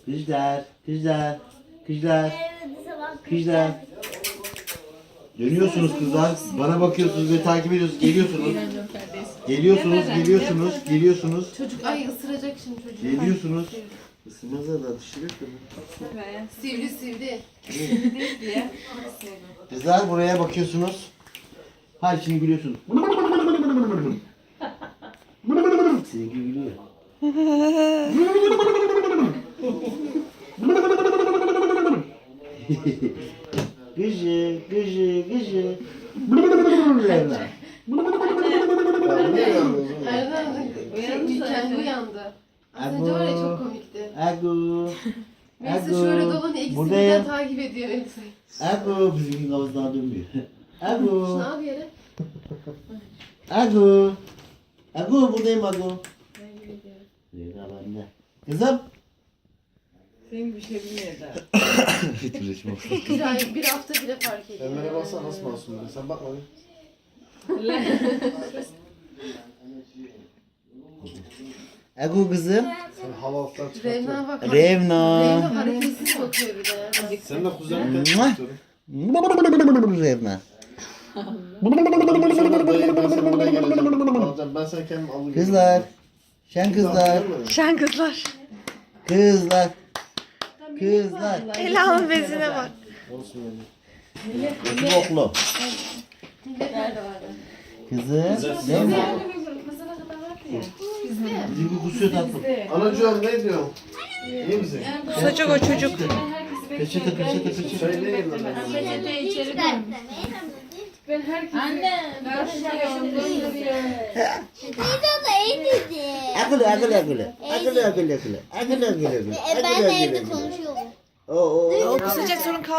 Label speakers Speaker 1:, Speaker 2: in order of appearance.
Speaker 1: Kızlar, kızlar, kızlar, kızlar. Dönüyorsunuz kızlar. Bana bakıyorsunuz ve takip ediyorsunuz. Geliyorsunuz. Geliyorsunuz, geliyorsunuz, geliyorsunuz.
Speaker 2: Çocuk ay ısıracak şimdi çocuğu.
Speaker 1: Geliyorsunuz. Isınmazlar da düşürür mü?
Speaker 2: Sivri sivri.
Speaker 1: Kızlar buraya bakıyorsunuz. Hayır şimdi gülüyorsunuz. Seninki gülüyor. Gıcı, gıcı, gıcı. Revna.
Speaker 2: Kendi uyandı. Az önce var ya çok komikti.
Speaker 1: Agu.
Speaker 2: Neyse şöyle dolanıyor. İkisi birden takip ediyor Melisa'yı.
Speaker 1: Agu. Bizimki kafasından dönmüyor. Agu.
Speaker 2: Şunu al bir yere.
Speaker 1: Agu. Agu buradayım Agu. Revna bende. Kızım.
Speaker 3: Senin bir şey bilmiyor da.
Speaker 2: Bir hafta bile fark ediyor.
Speaker 4: Emre'ye baksana nasıl masum böyle. Sen bakma bir.
Speaker 1: Agu kızım.
Speaker 4: Sen hava alttan
Speaker 2: Revna
Speaker 4: çıkartıyorsun.
Speaker 2: bak.
Speaker 1: Revna.
Speaker 2: Revna hareketsiz bakıyor bir de.
Speaker 4: Sen de kuzenlikten
Speaker 1: Mua.
Speaker 4: çıkartıyorum.
Speaker 1: Revna.
Speaker 4: Ben sana buraya geleceğim. Alacağım. Ben sana kendim alayım.
Speaker 1: Kızlar. Şen kızlar.
Speaker 5: Şen kızlar.
Speaker 1: Kızlar. Kızlar.
Speaker 5: Ela'nın bezine bak.
Speaker 4: Olsun yani.
Speaker 1: Boklu.
Speaker 2: Millet nerede vardı?
Speaker 1: Kızım. Değil mi? Bizim bir kusuyor tatlım.
Speaker 4: Anacığım ne diyorsun? İyi misin?
Speaker 5: Kusacak o çocuk.
Speaker 1: Peçete peçete peçete.
Speaker 4: Söyleyin lan.
Speaker 2: Ben herkese...
Speaker 1: Akıllı akıllı akıllı. Akıllı akıllı akıllı. Akıllı akıllı akıllı.
Speaker 6: Ben de evde konuşuyorum.
Speaker 1: Oo.
Speaker 5: O kusacak sorun kalmadı.